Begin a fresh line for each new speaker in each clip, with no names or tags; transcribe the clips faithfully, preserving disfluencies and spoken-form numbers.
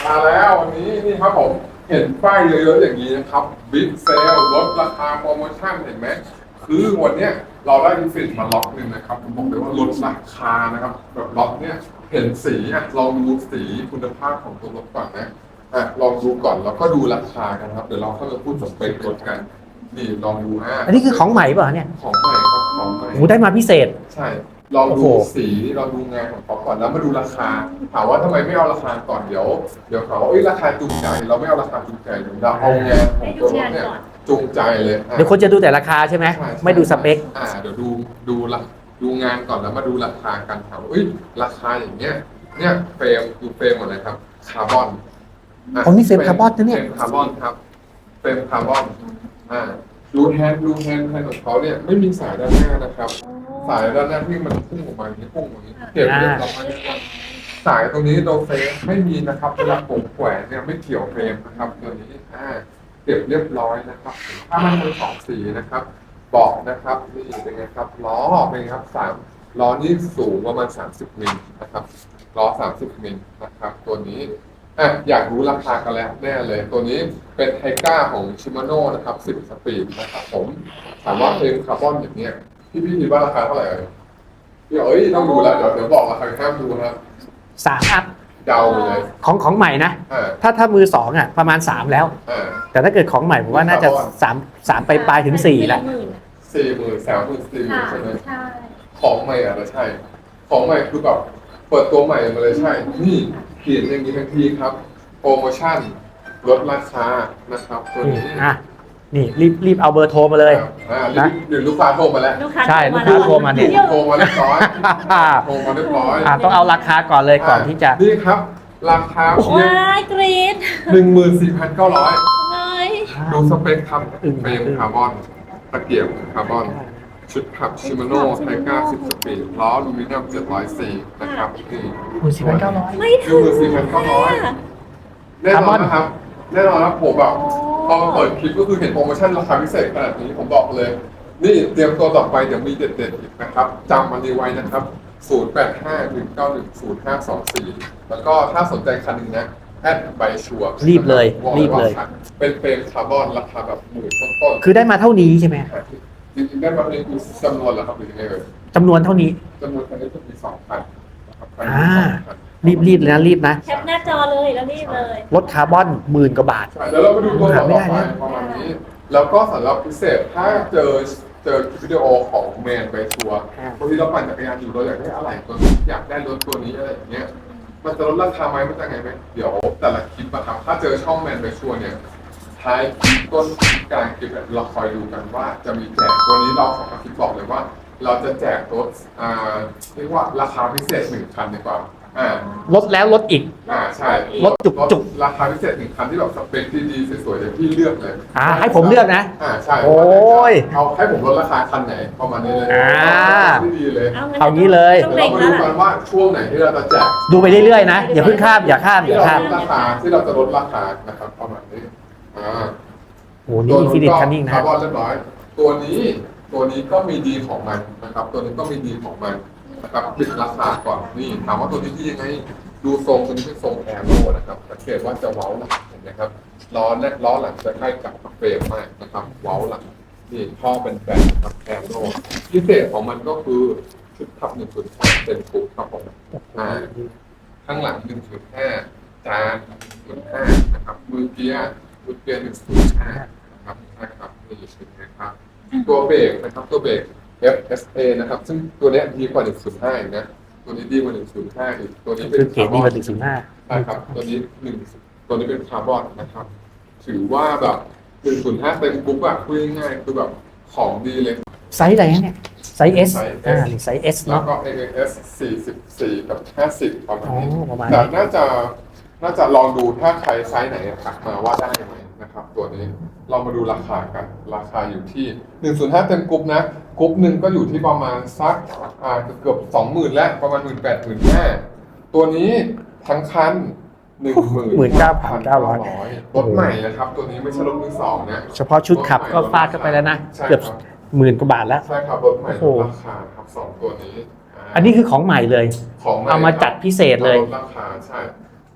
มาแล้ววันนี้นี่ครับผมเห็นป้ายเยอะๆอย่างนี้นะครับบิ๊กเซลลดราคาโปรโมชั่นเห็นไหมคือวันเนี้ยเราได้พิเศษมาล็อกหนึ่งนะครับผมบอกเลยว่าลดราคานะครับแบบล็อกเนี้ยเห็นสีอ่ะลองดูสีคุณภาพของตัวรถก่อนนะอ่ะลองดูก่อนแล้วก็ดูราคากันครับเดี๋ยวเราเข้ามาพูดสเปครถกันนี่ลองดูอ่ะ
อันนี้คือของใหม่ป่ะเนี่ย
ของใหม่ครับของใหม่
โอ้ได้มาพิเศษ
ใช่ลองดูสีลองดูงานของเขาก่อนแล้วมาดูราคาถามว่าทำไมไม่เอาราคาก่อนเดี๋ยวเดี๋ยวเขาว่าเอ้ยราคาจูงใจเราไม่เอาราคาจูงใจเราเอางานของตัวรถเนี่ยจูงใจเลย
เดี๋ยวคนจะดูแต่ราคาใช่ไหมไม่ดูสเปค
อ่าเดี๋ยวดูดูละดูงานก่อนแล้วมาดูราคากันถามว่าเอ้ยราคาอย่างเงี้ยเนี่ยเฟรมดูเฟรมหมดเลยครับคาร์บอน
อ๋อนี่เฟรมคาร์บอนนะเนี่ย
เฟรมคาร์บอนครับเฟรมคาร์บอนอ่ารูแฮนด์รูแฮนด์แฮนด์ของเขาเนี่ยไม่มีสายด้านหน้านะครับสายด้านหน้าที่มันพุ่งออกมาอย่างนี้พุ่งอย่างนี้เก็บเรียบร้อยนะครับสายตรงนี้โดเฟรมไม่มีนะครับเวลาผมแขวนเนี่ยไม่เกี่ยวเฟรมนะครับตัวนี้อ่าเก็บเรียบร้อยนะครับถ้ามันเป็นสองสีนะครับบอกนะครับนี่เป็นไงครับล้อเป็นไงครับสามล้อนี่สูงประมาณสามสิบมิลนะครับล้อสามสิบมิลนะครับตัวนี้อ่ะอยากรู้ราคากันแล้วแน่เลยตัวนี้เป็นไทก้าของชิมาโน่นะครับสิบสปีดนะครับผมถามว่าเฟรมคาร์บอนอย่างเนี้ยพี่พี่คิดว่าราคาเท่าไหร่พี่เอ้ยต้องดูแล้วเดี๋ยวเดี๋ยวบอกราคาห้ามดูนะ
สามอัพ
เดาเลย
ของของใหม่นะถ้าถ้ามือสองอ่ะประมาณสามแล้วแต่ถ้าเกิดของใหม่ผมว่าน่าจะสามสามไปปลายถึงสี่แล้ว
สี่หมื่นสามหมื่นสี่หมื่นใช่ไหมของใหม่อ่ะใช่ของใหม่คือแบบเปิดตัวใหม่มาเลยใช่นี่เขียนอย่างนี้ทันทีครับโปรโมชั่นลดราคานะครับตัวนี้
อ่ะนี่รีบรีบเอาเบอร์โทรมาเลย
นะเดี๋ยวลูกค้าโทรมาแล้ว
ใช่ลูกค้าโทรมาเนี่ย
โทรมาเรียบร้อยโทรมาเรียบร้อย
ต้องเอาราคาก่อนเลยก่อนที่จะ
นี่ครับราคาเพียง
ว้ายกรี๊ด
หนึ่งหมื่นสี่พันเก้าร้อย
เลย
ดูสเปคครับเฟรมคาร์บอนตะเกียบคาร์บอนชุดขับชิมาโน่ไทก้าสิบสปีดล้ออลูมิเนียมเจ็ดร้อยสี่นะครับนี่
หมื่นสี่พันเก้าร้อย
ไม่ถึง
หมื่นสี่พันเก้าร้อยแน่นอนนะครับแน่นอนนะผมแบบพอมาเปิดคลิปก็คือเห็นโปรโมชั่นราคาพิเศษขนาดนี้ผมบอกเลยนี่เตรียมตัวต่อไปเดี๋ยวมีเด็ดๆอีกนะครับจำมันนี้ไว้นะครับศูนย์ แปด ห้า หนึ่ง เก้า หนึ่ง ศูนย์ ห้า สอง สี่แล้วก็ถ้าสนใจคันนึงนะแอดใบชัวร์
รีบเลยรีบเลย
เป็นเฟรมคาร์บอนราคาแบบหมื่นต้น
ๆคือได้มาเท่านี้ใช่ไหม
จริงๆได้มาเป็นจำนวนแล้วครับหรือยังไงเลย
จำนวนเท่านี้
จำนวนคันนี้จะมีสองพันนะครับ
อ่ารีบรีบเลยนะรีบนะ
แคปหน้าจอเลยแล้วรีบเลย
ลดคาร์บอนหมื่นกว่าบาท
เดี๋ยวเราไปดูตัวต่อไปประมาณนี้แล้วก็สำหรับพิเศษถ้าเจอเจอวิดีโอของแมนไปชัวร์บางทีเราปั่นจักรยานอยู่เราอยากได้อะไรตัวนี้อยากได้รถตัวนี้อะไรอย่างเงี้ยมันจะลดราคาไหมมันจะไงไหมเดี๋ยวแต่ละคลิปอะครับถ้าเจอช่องแมนไปชัวร์เนี่ยท้ายคลิปต้นคลิปกลางคลิปเราคอยดูกันว่าจะมีแจกตัวนี้เราของคลิปบอกเลยว่าเราจะแจกรถอ่าเรียกว่าราคาพิเศษหนึ่งคันดีกว่า
ลดแล้วลดอีก
อ่าใช่
ลดจุกจุก
ราคาพิเศษหนึ่งคันที่แบบสเปคดีๆสวยๆอย่างที่เลือกเลย
อ่าให้ผมเลือกนะ
อ่าใช่
โอ้ย
เอาให้ผมลดราคาคันไหนประมาณนี้เลย
อ่า
ที่ดีเลย
เอางี้เลย
เรามาดูกันว่าช่วงไหนที่เราจะแจก
ดูไปเรื่อยๆนะอย่าเพิ่งข้ามอย่าข้ามอย่าข้าม
ราคาที่เราจะลดราคานะครับประมาณนี้อ่า
โอ้นี่อินฟินิตคันนิ่งนะ
คาร์บอนเรียบร้อยตัวนี้ตัวนี้ก็มีดีของมันนะครับตัวนี้ก็มีดีของมันนะครับปิดราคาก่อนนี่ถามว่าตัวนี้ดียังไงดูทรงตัวนี้เป็นทรงแอโร่นะครับสังเกตว่าจะเว้าหลังเห็นไหมครับล้อและล้อหลังจะใกล้กับเฟรมมากนะครับเว้าหลังนี่ท่อเป็นแบนครับแอโร่พิเศษของมันก็คือชุดขับหนึ่งจุดห้าเต็มปุ๊บครับผมอ่าข้างหลังหนึ่งจุดห้าจานหนึ่งจุดห้านะครับมือเกียร์มือเกียร์หนึ่งจุดห้านะครับใช่ครับนี่เป็นไงครับตัวเบรกนะครับตัวเบรก เอฟ เอส เอ นะครับซึ่งตัวนี้ดีกว่าหนึ่งจุดห้าอีกนะตัวนี้ดีกว่าหนึ่งจุดห้าอีกตัวนี้เป็น
คาร์บอนหนึ่งจุดห้า
ใช่ครับตัวนี้หนึ่งตัวนี้เป็นคาร์บอนนะครับถือว่าแบบหนึ่งจุดห้าเต็มปุ๊บอะพูดง่ายๆคือแบบของดีเลย
ไซส์อะไรเนี่ยไซส์ S อ่าไซส์ S
แล้
เนาะ
วก็ เอ เอส สี่สิบสี่กับห้าสิบประมาณนี้
ประมาณ
แต่น่าจะน่าจะลองดูถ้าใครไซส์ไหนทักมาว่าได้ไหมนะครับตัวนี้เรามาดูราคากันราคาอยู่ที่หนึ่งจุดห้าเต็มกรุ๊ปนะกรุ๊ปหนึ่งก็อยู่ที่ประมาณสักอ่าเกือบสองหมื่นแล้วประมาณหมื่นแปดหมื่นห้าตัวนี้ทั้งคันหนึ่งหมื่น
หมื่นเก้าพันเก้าร้อย
รถใหม่นะครับตัวนี้ไม่ใช่รถมือสองนะ
เฉพาะชุดขับก็ฟาดเข้าไปแล้วนะเกือบหมื่นกว่าบาทแล้ว
ใช่ครับรถใหม่ราคาครับสองตัวนี้
อันนี้คือของใหม่เลย
ของ
เอามาจัดพิเศษเลย
ราคาใช่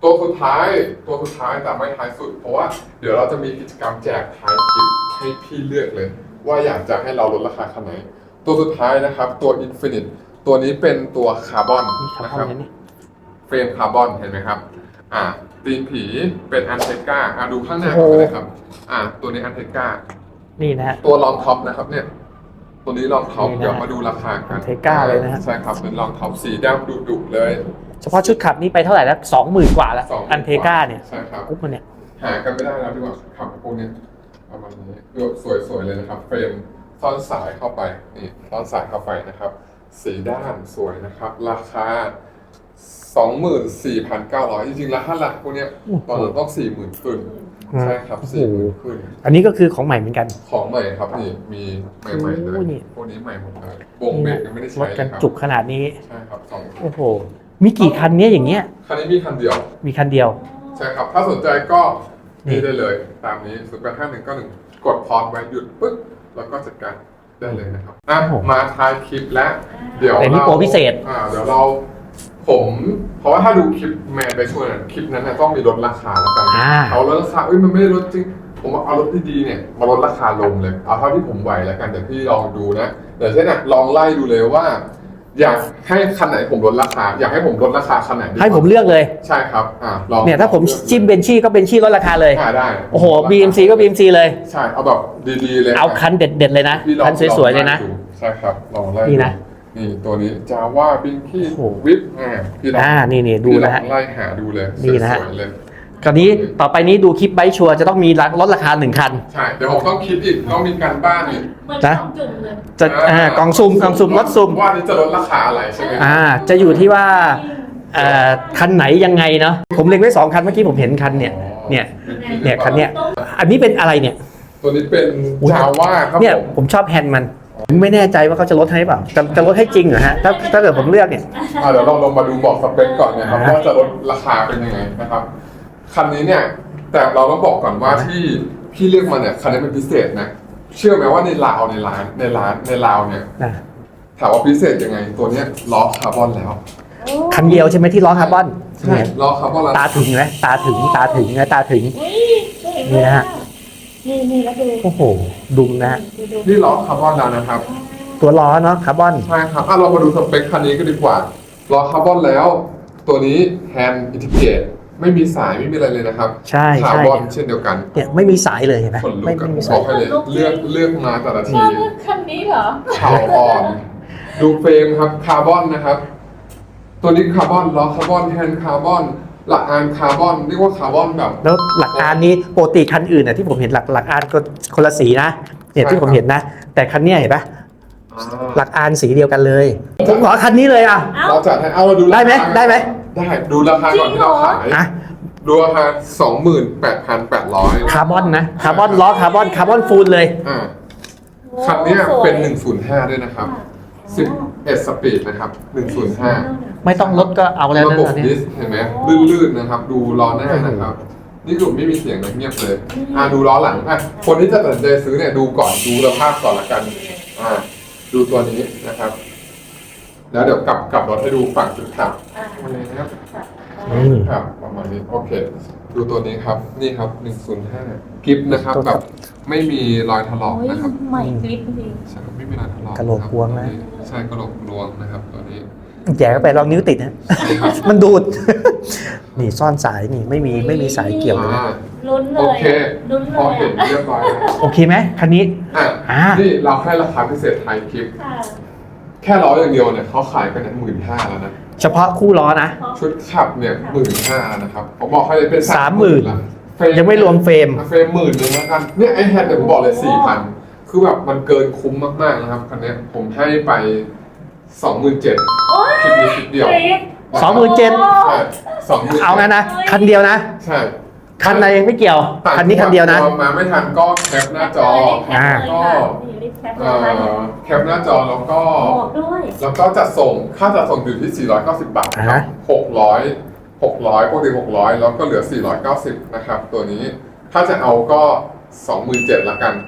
ตัวสุดท้ายตัวสุดท้ายแต่ไม่ท้ายสุด เพราะว่าเดี๋ยวเราจะมีกิจกรรมแจกท้ายคลิปให้พี่เลือกเลย ว่าอยากจะให้เราลดราคาขนาดไหนตัวสุดท้ายนะครับตัว Infinite ตัวนี้เป็นตัวคาร์บอน
นี่คา
นะ
ร์บ
ค
อน
รับ
เนี่ยนี่
เฟรมคาร์บอนเห็นไหมครับอ่าตีนผีเป็นอันเทก้าอ่าดูข้างหน้าก่อนเลยครับอ่าตัวนี้อันเทก้า
นี่นะฮะ
ตัวรองท็อปนะครับเนี่ยตัวนี้รองท็อป
นี่นะ
เดี๋ยวมาดูราคากัน
Anteca เลยนะฮะ
ใช่ครับเป็นรองท็อปสีดำดุๆเลย
เฉพาะชุดขับนี่ไปเท่าไหร่แล้วสองหมื่นกว่าแล้ว
สองหมื่น
อันเทกาเนี่ย
ใช่ครับ
กุ๊บมันเนี่ย
หากันไม่ได้แล้วดีกว่าขับพวกนี้ประมาณนี้ดูสวยๆเลยนะครับ เฟรมซ่อนสายเข้าไปนี่ซ่อนสายเข้าไปนะครับ สีด้านสวยนะครับ ราคา สองหมื่นสี่พันเก้าร้อย จริงๆแล้วถ้าหลักพวกเนี้ยตอนนั้นต้อง สี่หมื่น ขึ้นใช่ครับ สี่หมื่น ขึ้น
อันนี้ก็คือของใหม่เหมือนกัน
ของใหม่ครับนี่มีใหม่ๆเลย
โอ้นี่
พวกนี้ใหม่หมดเลยวงเบรกยังไม่ได้
ร
ใช้
ถ
เลย
กัน
ครับ
จุกขนาดนี้
ใช่ครับสอง
โอ้โห มีกี่คันเนี้ยอย่างเงี้ย
คันนี้มีคันเดียว
มีคันเดียว
ใช่ครับ ถ้าสนใจก็
นี่
นี่ได้เลย ตามนี้ศูนย์แปดห้าหนึ่งเก้าหนึ่งกดพอสไว้หยุดปึ๊บแล้วก็จัดการได้เลยนะครับอ่ะมาท้ายคลิปแล้วเดี๋ยว
แต่นี่
เรา
โปรพิเศษ
อ่าเดี๋ยวเราผมเพราะว่าถ้าดูคลิปแมนไปช่วยน่ะคลิปนั้นน่ะต้องมีลดราคาแล้วกัน
อ่า
เอาลดราคาเอ้ยมันไม่ได้ลดจริง ผมว่าเอารถดีๆเนี่ยมาลดราคาลงเลย เอาเท่าที่ผมไหวแล้วกันเดี๋ยวพี่ลองดูนะเดี๋ยวเช่นน่ะลองไล่ดูเลยว่า อยากให้คันไหนผมลดราคา อยากให้ผมลดราคาคันไหนดี
ให้ผมเลือกเลย
ใช่ครับอ่าลอง
เนี่ยถ้าผมจิ้มเบนชี่ก็เบนชี่ลดราคาเลย
อ่าได้
โอ้โห บี เอ็ม ซี ก็ บี เอ็ม ซี เลย
ใช่เอาแบบดีๆเลย
เอาคันเด็ดๆเลยนะ
พี่ลอง
คันสวยๆเลยนะ
องไดูใช่ครับลองไล่
นี่นะ
นี่ตัวนี้จาว่าบิงคี้
โอ้โห
วิปอ่าพี่ลอง
อ่า นี่นี่ดู
พี่ล
นะ
อ
ฮะ
งไล่หาดูเลย
นี่นะฮะ
สวยๆเลย
คราวนี้ต่อไปนี้ดูคลิปไบค์ชัวร์จะต้องมีลดราคาหนึ่งคัน
ใช่เดี๋ยวผมต้องคิดอีกต้องมีการบ้านอีก
เหมือน
นะ
สองจุ่มเลย
จะอ่ากล่องซุ่มกล่องซุ่มรถซุ่ม
ว่านี่จะลดราคาอะไรใช่ไหม
อ่า จะอยู่ที่ว่าเอ่อคันไหนยังไงเนาะ ผมเล็งไว้สองคันเมื่อกี้ผมเห็นคันเนี่ย เนี่ย เนี่ยคันเนี้ย อันนี้เป็นอะไรเนี่ย
ตัวนี้เป็น
อุ๊ย
จาว่าครับ
เนี่ย
ผม
ผมชอบแฮนด์มันผมไม่แน่ใจว่าเขาจะลดให้เปล่าจะจะลดให้จริงเหรอฮะถ้าถ้าเกิดผมเลือกเนี่ย
อ่าเดี๋ยวเราลงมาดูบอกสเปคก่อนนะครับ
อ่า
ว่าจะลดราคาเป็นยังไงนะครับคันนี้เนี่ยแต่เราต้องบอกก่อนว่าที่พี่เลือกมาเนี่ยคันนี้เป็นพิเศษนะเชื่อไหมว่าในลาวในร้านในร้านในลาวเนี่ย
นะ
ถามว่าพิเศษยังไง ตัวเนี้ยล้อคาร์บอนแล้ว
คันเดียวใช่ไหมที่ล้อคาร์บอน
ใช่ล้อคาร์บอนแล้ว
ตาถึงไหมตาถึงตาถึงนะตาถึง
อุ้ยสวย
นี่นะฮะ
นี่นี่แล้วดู
โอ้โห ดุมนะฮะ
ดูดู
นี่ล้อคาร์บอนแล้วนะครับ
ตัวล้อเนาะคาร์บอน
ใช่ครับอ่ะเรามาดูสเปคคันนี้กันดีกว่าล้อคาร์บอนแล้ว ตัวนี้แฮนด์อินทิเกรตไม่มีสายไม่มีอะไรเลยนะครับ
ใช่
คา
ใช่
ร์บอน
เนี่ย
เช่นเดียวกัน
เนี่ยไม่มีสายเลยเห็นไหม
คนลุ
ไม่
กกับ
ไม่มี
บ
สา
อย กให้เลยเลือกเลือกมาแต่ละ
ช
ที
อบคันนี้เหรอ
เข่าอ่อน ดูเฟรมครับคาร์บอนนะครับ ตัวนี้คาร์บอนล้อคาร์บอนแฮนด์คาร์บอนหลักอานคาร์บอนเรียกว่าคาร์บอนแบบ
แล้วหลักการนี้ปกติคันอื่นน่ะที่ผมเห็นหลักหลักการก็คนละสีนะเนี่ยที่ผมเห็นนะ แต่คันเนี้ยเห็นปะหลักการสีเดียวกันเลย ผมขอคันนี้เลยอ่ะ
เอ้า
เราจัดให้เอาเราดูราคา
ได้ไหมได้ไหม
ได้ดูราคาก่อนที่เราขาย
อ่ะ
ดูราคาสองหมื่นแปดพันแปดร้อย
คาร์บอนนะคาร์บอนล้อคาร์บอนคาร์บอนฟูลเลย
อ่าคันเนี้ยเป็นหนึ่งศูนย์ห้าด้วยนะครับสิบเอ็ดสปีดนะครับหนึ่งศูนย์ห้า
ไม่ต้องลดก็เอาแล้ว
ระ
นะ
บบ
ตอนนี้
ดิสเห็นไหมลื่นๆนะครับ ดูล้อหน้านะครับ นี่คือไม่มีเสียงนะเงียบเลย อ่าดูล้อหลังอ่ะคนที่จะตัดสินใจซื้อเนี่ยดูก่อนดูสภาพก่อนละกันอ่าดูตัวนี้นะครับ แล้วเดี๋ยวกลับกลับรถให้ดูฝั่งจุดขับ
อ่า
มาเลยนะครับ
อืม
ครับประมาณนี้โอเค ดูตัวนี้ครับนี่ครับหนึ่งศูนย์ห้ากิฟนะครับแบบไม่มีรอยถลอก
โอ้ย
นะครับ
ใหม่กริปจริง
ใช่ครับไม่มีรอยถลอก
กะโหลกพวงนะ
ใช่กระโหลกพวงนะครับตัวนี้
แย่เข้าไปลองนิ้วติดนะ มันดูด นี่ซ่อนสายนี่ไม่มีไม่มีสายเกี่ยวเลยนะ
อ่า
ลุ้นเล
โอย เค
ลุ้นเล
พอย เห็น
อะ
เรียบร้อยแล้ว
โอเคไหมคันนี้
อ่ะ
อ่า
นี่เราให้ราคาพิเศษไทยคลิป
ค่ะ
แค่ล้ออย่างเดียวเนี่ยเขาขายกันหมื่นห้าแล้วนะ
เฉพาะคู่ล้อนะ
ชุดขับเนี่ยหมื่นห้านะครับผมบอกให้เลยเป็น
สามหมื่น
ละ
ยังไม่รวมเฟรม
เฟรมหมื่นหนึ่งแล้วกันเนี่ยไอแฮนด์เนี่ยผมบอกเลยสี่พันคือแบบมันเกินคุ้มมากๆนะครับคันเนี้ยผมให้ไปสองหมื่นเจ็ด
โอ้ย
คลิปนี้คลิปเดียว
กริป
สองหมื่นเจ็ด
ใช่สองหมื่น
เอางั้นนะ คันเดียวนะ
ใช่
คันในไม่เกี่ยว คันนี้คันเดียวนะ
มาไม่ทันก็แคปหน้าจอ
อ่า
ก็นี่รีบแคปเล
เอ่
ยค่ะ
อแคปหน้าจอแล้วก็
บอกด้วย
แล้วก็จัดส่งค่าจัดส่งอยู่ที่ สี่ร้อยเก้าสิบบาทค
อ่า
รั
ฮะ
บหกร้อย หกร้อยปกติหกร้อยแล้วก็เหลือ สี่ร้อยเก้าสิบนะครับตัวนี้ถ้าจะเอาก็ สองหมื่นเจ็ดละกัน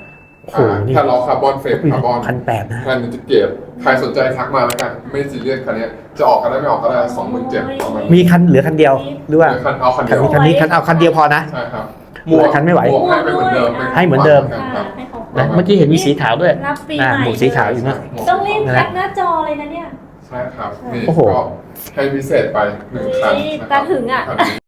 โอ้โหนี่
ถ้าล้อคาร์บอนเฟรมคาร์บอน
พันแปดนะ
แค่นี้จะเกรดใครสนใจทักมาแล้วกัน ไม่ซีเรียสคันนี้จะออกก็ได้ไม่ออกก็ได้สองหมื่นเจ็ดประมาณ
มีคันเหลือคันเดียวหรือว่า
คันเอาคัน
คั
เดี
น
ยว
นี้คันนี้คันเอาคันเดียวพอนะ
ใช่ครับ
หลายคันไม่ไหว
หมวกให้เป็นเหมือนเดิม
ให้เหมือนเดิม
ครับ
ให้ของ
นะเมื่อกี้เห็นมีสีขาวด้วย
รับปี
อ่า
ใหม่
หมวกสีขาวอยู่นะ
ต้องรีบแคปหน้าจอเลยนะเนี่ย
ใช่ครับนี่
โอ้โห
ก็ให้พิเศษไปหนึ่งคัน
เฮ้ย
นะครับ
ตาถึงอะ
คันนี้